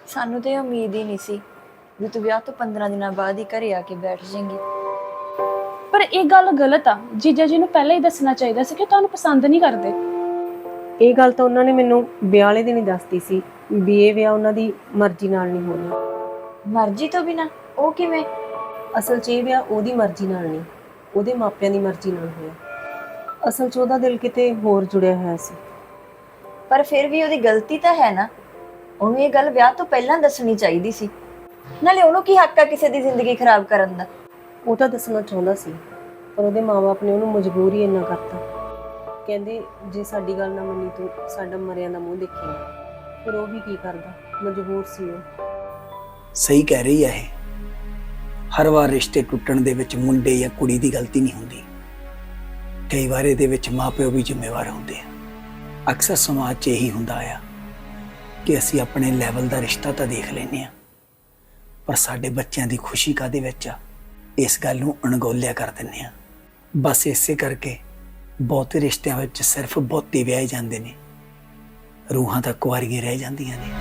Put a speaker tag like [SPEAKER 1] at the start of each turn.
[SPEAKER 1] ਸਾਨੂੰ ਤੇ ਉਮੀਦ ਹੀ ਨਹੀਂ ਸੀ ਵੀ ਤੂੰ ਵਿਆਹ ਤੋਂ 15 ਦਿਨਾਂ ਬਾਅਦ ਹੀ ਘਰੇ ਆ ਕੇ ਬੈਠ ਜਾਏਂਗੀ।
[SPEAKER 2] ਪਰ ਇਹ ਗੱਲ ਗਲਤ ਆ। ਜੀਜਾ ਜੀ ਨੂੰ ਪਹਿਲਾਂ ਹੀ ਦੱਸਣਾ ਚਾਹੀਦਾ ਸੀ ਕਿ ਤੁਹਾਨੂੰ ਪਸੰਦ ਨਹੀਂ ਕਰਦੇ।
[SPEAKER 3] ਇਹ ਗੱਲ ਤਾਂ ਉਹਨਾਂ ਨੇ ਮੈਨੂੰ ਵਿਆਹ ਵਾਲੇ ਦਿਨ ਹੀ ਦੱਸਤੀ ਸੀ ਵੀ ਇਹ ਵਿਆਹ ਉਹਨਾਂ ਦੀ ਮਰਜ਼ੀ ਨਾਲ ਨਹੀਂ ਹੋਣਾ।
[SPEAKER 1] ਮਰਜ਼ੀ ਤੋਂ ਬਿਨਾ? ਉਹ ਕਿਵੇਂ?
[SPEAKER 3] ਅਸਲ 'ਚ ਇਹ ਵਿਆਹ ਉਹਦੀ ਮਰਜ਼ੀ ਨਾਲ ਨਹੀਂ, ਉਹਦੇ ਮਾਪਿਆਂ ਦੀ ਮਰਜ਼ੀ ਨਾਲ ਹੋਇਆ। ਅਸਲ 'ਚ ਉਹਦਾ ਦਿਲ ਕਿਤੇ ਹੋਰ ਜੁੜਿਆ ਹੋਇਆ ਸੀ।
[SPEAKER 1] ਪਰ ਫਿਰ ਵੀ ਉਹਦੀ ਗਲਤੀ ਤਾਂ ਹੈ ਨਾ। ਉਹਨੂੰ ਇਹ ਗੱਲ ਵਿਆਹ ਤੋਂ ਪਹਿਲਾਂ ਦੱਸਣੀ ਚਾਹੀਦੀ ਸੀ। ਨਾਲੇ ਉਹਨੂੰ ਕੀ ਹੱਕ ਆ ਕਿਸੇ ਦੀ ਜ਼ਿੰਦਗੀ ਖਰਾਬ ਕਰਨ ਦਾ?
[SPEAKER 3] ਉਹ ਤਾਂ ਦੱਸਣਾ ਚਾਹੁੰਦਾ ਸੀ ਪਰ ਉਹਦੇ ਮਾਪੇ ਨੇ ਉਹਨੂੰ ਮਜਬੂਰ ਹੀ ਇੰਨਾ ਕਰਤਾ। ਕਹਿੰਦੇ ਜੇ ਸਾਡੀ ਗੱਲ ਨਾ ਮੰਨੀ ਤੂੰ ਸਾਡਾ ਮਰਿਆਂ ਦਾ ਮੂੰਹ ਦੇਖੇਗਾ। ਫਿਰ ਉਹ ਵੀ ਕੀ ਕਰਦਾ, ਮਜਬੂਰ ਸੀ ਉਹ।
[SPEAKER 4] ਸਹੀ ਕਹਿ ਰਹੀ ਹੈ ਇਹ। ਹਰ ਵਾਰ ਰਿਸ਼ਤੇ ਟੁੱਟਣ ਦੇ ਵਿੱਚ ਮੁੰਡੇ ਜਾਂ ਕੁੜੀ ਦੀ ਗਲਤੀ ਨਹੀਂ ਹੁੰਦੀ। ਕਈ ਵਾਰ ਇਹਦੇ ਵਿੱਚ ਮਾਪਿਓ ਵੀ ਜ਼ਿੰਮੇਵਾਰ ਹੁੰਦੇ ਆ। ਅਕਸਰ ਸਮਾਜ 'ਚ ਇਹੀ ਹੁੰਦਾ ਆ ਕਿ ਅਸੀਂ ਆਪਣੇ ਲੈਵਲ ਦਾ ਰਿਸ਼ਤਾ ਤਾਂ ਦੇਖ ਲੈਂਦੇ ਆ, ਪਰ ਸਾਡੇ ਬੱਚਿਆਂ ਦੀ ਖੁਸ਼ੀ ਕਾਹਦੇ ਵਿੱਚ ਆ, ਇਸ ਗੱਲ ਨੂੰ ਅਣਗੌਲਿਆ ਕਰ ਦਿੰਦੇ ਆ। ਬਸ ਇਸੇ ਕਰਕੇ ਬਹੁਤੇ ਰਿਸ਼ਤਿਆਂ ਵਿੱਚ ਸਿਰਫ ਬਹੁਤੇ ਵਿਆਹੇ ਜਾਂਦੇ ਨੇ, ਰੂਹਾਂ ਤਾਂ ਕੁਆਰੀਆਂ ਰਹਿ ਜਾਂਦੀਆਂ ਨੇ।